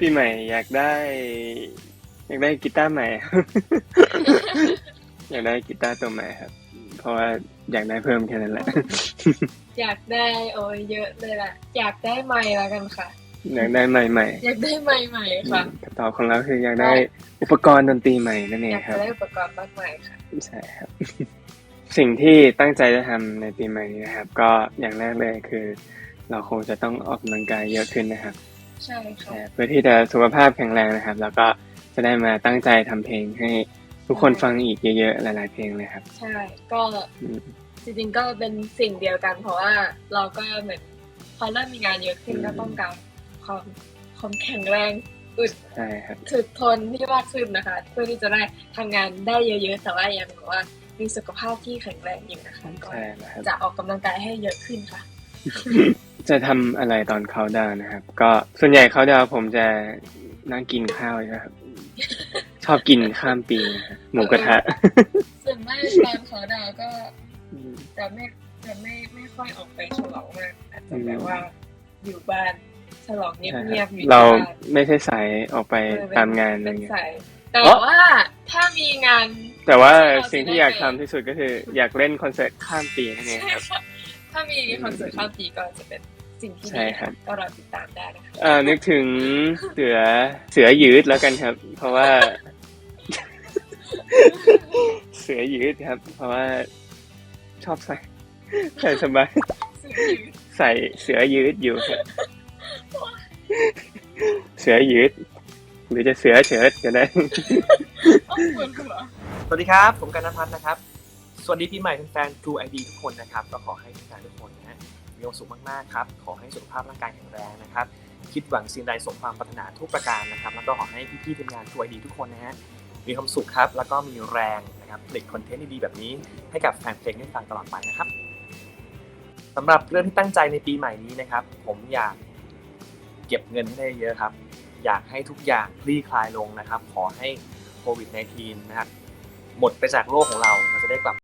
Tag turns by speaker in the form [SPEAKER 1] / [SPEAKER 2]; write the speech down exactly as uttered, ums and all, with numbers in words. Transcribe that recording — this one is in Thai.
[SPEAKER 1] ปีใหม่อยากได้ อยากได้กีตาร์ใหม่ อยากได้กีตาร์ตัวใหม่ครับ เพราะว่าอยากได้เพิ่มแค่นั้นแหละ
[SPEAKER 2] อยากได้โอ้ยเยอะเลยล่ะ อยากได้ไมค์แล้วกันค่ะ
[SPEAKER 1] อยากได้ใหม่
[SPEAKER 2] อยากได้ไมค์ใหม่
[SPEAKER 1] ๆ
[SPEAKER 2] ค่ะ
[SPEAKER 1] คำตอบของเราคืออยากได้อุปกรณ์ดนตรีใหม่นั่นเอ
[SPEAKER 2] อง ยาก
[SPEAKER 1] ครั
[SPEAKER 2] จะ
[SPEAKER 1] บ
[SPEAKER 2] ได้อุปกรณ์มากมายค่ะ
[SPEAKER 1] ใช่ครับ สิ่งที่ตั้งใจจะทำในปีใหม่นี้นะครับ ก็อย่างแรกเลยคือ เราคงจะต้องออกกำลังกายเยอะขึ้นนะครับ
[SPEAKER 2] ใช่ค่ะ
[SPEAKER 1] เพื่อที่จะสุขภาพแข็งแรงนะครับ แล้วก็จะได้มาตั้งใจทำเพลงให้ทุกคนฟังอีกเยอะๆหลายๆเพลงเลยครับ
[SPEAKER 2] ใช่ ก็
[SPEAKER 1] อืม
[SPEAKER 2] จริงๆก็เป็นสิ่งเดียวกัน เพราะว่าเราก็เหมือนพอเริ่มมีงานเยอะขึ้น
[SPEAKER 1] อืม
[SPEAKER 2] ก็ต้องการความความแข็งแรงอึด
[SPEAKER 1] ใช่ครับ
[SPEAKER 2] ถึกทนที่มากขึ้นนะคะ เพื่อที่จะได้ทำงานได้เยอะๆแต่ว่ายังแบบว่ามีสุขภาพที่แข็งแรงอยู่นะคะก็
[SPEAKER 1] ใช่แล้วครับ
[SPEAKER 2] จะออกกำลังกายให้เยอะขึ้นค่ะ
[SPEAKER 1] จะทำอะไรตอนเขาน์ดาวน์นะครับ ก็ส่วนใหญ่เขาน์ดาวน์ผมจะนั่งกินข้าวนะครับ ชอบกินข้ามปีนะครับหมูกระทะ
[SPEAKER 2] ส่วนมากตอนเขาดาวน์ก็
[SPEAKER 1] อืม
[SPEAKER 2] จะไม่จะไม่ไม่ค่อยออกไปฉลองมากอาจจะ
[SPEAKER 1] อืม
[SPEAKER 2] แบบว่าอยู่บ้านฉลองเ
[SPEAKER 1] ใช่
[SPEAKER 2] งี
[SPEAKER 1] ค
[SPEAKER 2] ย
[SPEAKER 1] รั
[SPEAKER 2] บบ ๆอยู่
[SPEAKER 1] เรา
[SPEAKER 2] ที่บ้าน
[SPEAKER 1] ไม่ใช่สายออกไป
[SPEAKER 2] เออเป็น
[SPEAKER 1] ตามงานอะไร
[SPEAKER 2] เป็น
[SPEAKER 1] เงี้ย
[SPEAKER 2] สายแต่
[SPEAKER 1] อ๋อ
[SPEAKER 2] ว่าถ้ามีงาน
[SPEAKER 1] แต่ว่า
[SPEAKER 2] ที่เรา
[SPEAKER 1] สิ่ง
[SPEAKER 2] จะ
[SPEAKER 1] ที่
[SPEAKER 2] ได้
[SPEAKER 1] อยาก
[SPEAKER 2] ไป
[SPEAKER 1] ทำที่สุดก็คือ อยากเล่นคอนเสิร์ตข้ามปีนั่นเอง
[SPEAKER 2] ใช่
[SPEAKER 1] ครับ
[SPEAKER 2] ค่ะถ้ามีคอนเสิร์ตข้ามปีก็จะเป็นสิ่งที่
[SPEAKER 1] ใช่
[SPEAKER 2] ดี
[SPEAKER 1] ครับ
[SPEAKER 2] ก็รอติดตามได้นะคะ
[SPEAKER 1] เอ่อนึกถึงเสือเสือยืดแล้วกันครับ เพราะว่า เสือยืดครับ เพราะว่าชอบใส่ใส่สบาย
[SPEAKER 2] สื่อยืด
[SPEAKER 1] ใส่เสือยืดอยู่ครับ เสือยืด หรือจะเสือเฉิดก็ได้
[SPEAKER 2] โอ้ปวดหัว
[SPEAKER 3] สวัสดีครับ ผมกันณพัฒน์นะครับ สวัสดีปีใหม่แฟนๆ True ไอ ดี ทุกคนนะครับ ก็ขอให้แฟนๆทุกคนนะฮะมีความสุขมากๆครับ ขอให้สุขภาพร่างกายแข็งแรงนะครับ คิดหวังสิ่งใดสมความปรารถนาทุกประการนะครับ แล้วก็ขอให้พี่ๆทีมงาน True ไอ ดี ทุกคนนะฮะมีความสุขครับ แล้วก็มีแรงนะครับผลิตคอนเทนต์ดีๆแบบนี้ให้กับแฟนเพลงได้ฟังตลอดไปนะครับสำหรับเรื่องที่ตั้งใจในปีใหม่นี้นะครับ ผมอยากเก็บเงินให้ได้เยอะครับ อยากให้ทุกอย่างคลี่คลายลงนะครับ ขอให้โควิด สิบเก้า นะครับหมดไปจากโลกของเราเราจะได้กลับ